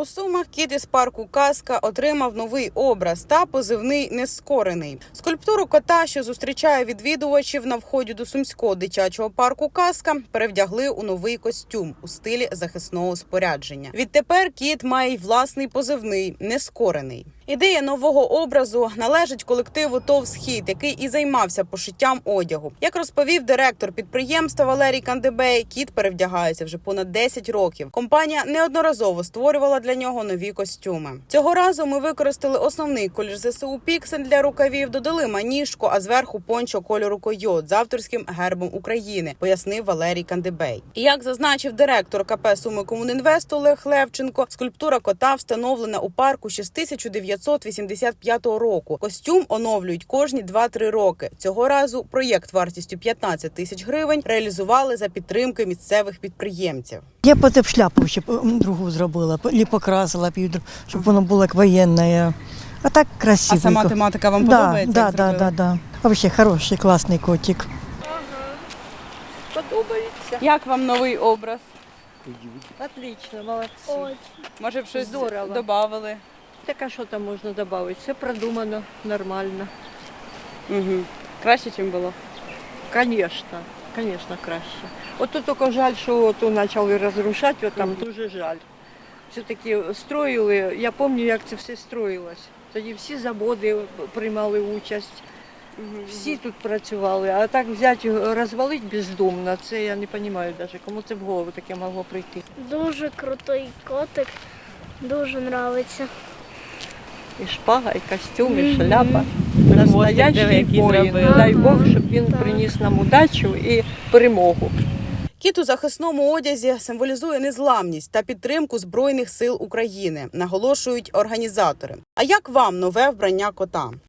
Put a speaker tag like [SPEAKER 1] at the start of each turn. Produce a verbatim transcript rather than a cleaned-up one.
[SPEAKER 1] У Сумах кіт із парку «Казка» отримав новий образ та позивний «Нескорений». Скульптуру кота, що зустрічає відвідувачів на вході до Сумського дитячого парку «Казка», перевдягли у новий костюм у стилі захисного спорядження. Відтепер кіт має й власний позивний «Нескорений». Ідея нового образу належить колективу ТОВ «Схід», який і займався пошиттям одягу. Як розповів директор підприємства Валерій Кандебей, кіт перевдягається вже понад десять років. Компанія неодноразово створювала для нього нові костюми. Цього разу ми використали основний колір ЗСУ «Піксель» для рукавів, додали маніжку, а зверху пончо кольору «Койот» з авторським гербом України, пояснив Валерій Кандебей. І як зазначив директор КП «Сумикомунінвест» Олег Левченко, скульптура кота встановлена у парку ще з тисяча дев'ятсот вісімдесят п'ятого року. Костюм оновлюють кожні два-три роки. Цього разу проєкт вартістю п'ятнадцять тисяч гривень реалізували за підтримки місцевих підприємців.
[SPEAKER 2] Я б це б шляпу ще другу зробила, або покрасила б її, щоб воно було як воєнне. А так красиво.
[SPEAKER 1] А сама тематика вам
[SPEAKER 2] да,
[SPEAKER 1] подобається?
[SPEAKER 2] Да, да, да, да. Взагалі хороший, класний котик.
[SPEAKER 3] Ага. Подобається.
[SPEAKER 1] Як вам новий образ?
[SPEAKER 3] Отлично, молодці.
[SPEAKER 4] Очень.
[SPEAKER 1] Може б щось
[SPEAKER 3] Здорово.
[SPEAKER 1] додавали?
[SPEAKER 3] Так а що там можна додати? Все продумано, нормально.
[SPEAKER 1] Угу. Краще, ніж було?
[SPEAKER 3] Звісно, звісно, краще. От тут тільки жаль, що тут почали розрушати, от там
[SPEAKER 1] Мгм.
[SPEAKER 3] дуже жаль. Все-таки строїли, я пам'ятаю, як це все строїлось. Тоді всі заводи приймали участь,
[SPEAKER 1] Угу.
[SPEAKER 3] всі тут працювали, а так взяти, розвалити бездумно, це я не розумію навіть, кому це в голову таке могло прийти.
[SPEAKER 4] Дуже крутий котик. Дуже подобається.
[SPEAKER 3] І шпага, і костюм, і
[SPEAKER 4] Мгм.
[SPEAKER 3] шляпа.
[SPEAKER 1] диви,
[SPEAKER 3] Настоящий
[SPEAKER 1] який
[SPEAKER 3] воїн.
[SPEAKER 1] зробили.
[SPEAKER 3] Дай Бог,
[SPEAKER 4] Ага,
[SPEAKER 3] щоб він
[SPEAKER 4] так.
[SPEAKER 3] приніс нам удачу і перемогу.
[SPEAKER 1] Кіт у захисному одязі символізує незламність та підтримку Збройних сил України, наголошують організатори. А як вам нове вбрання кота?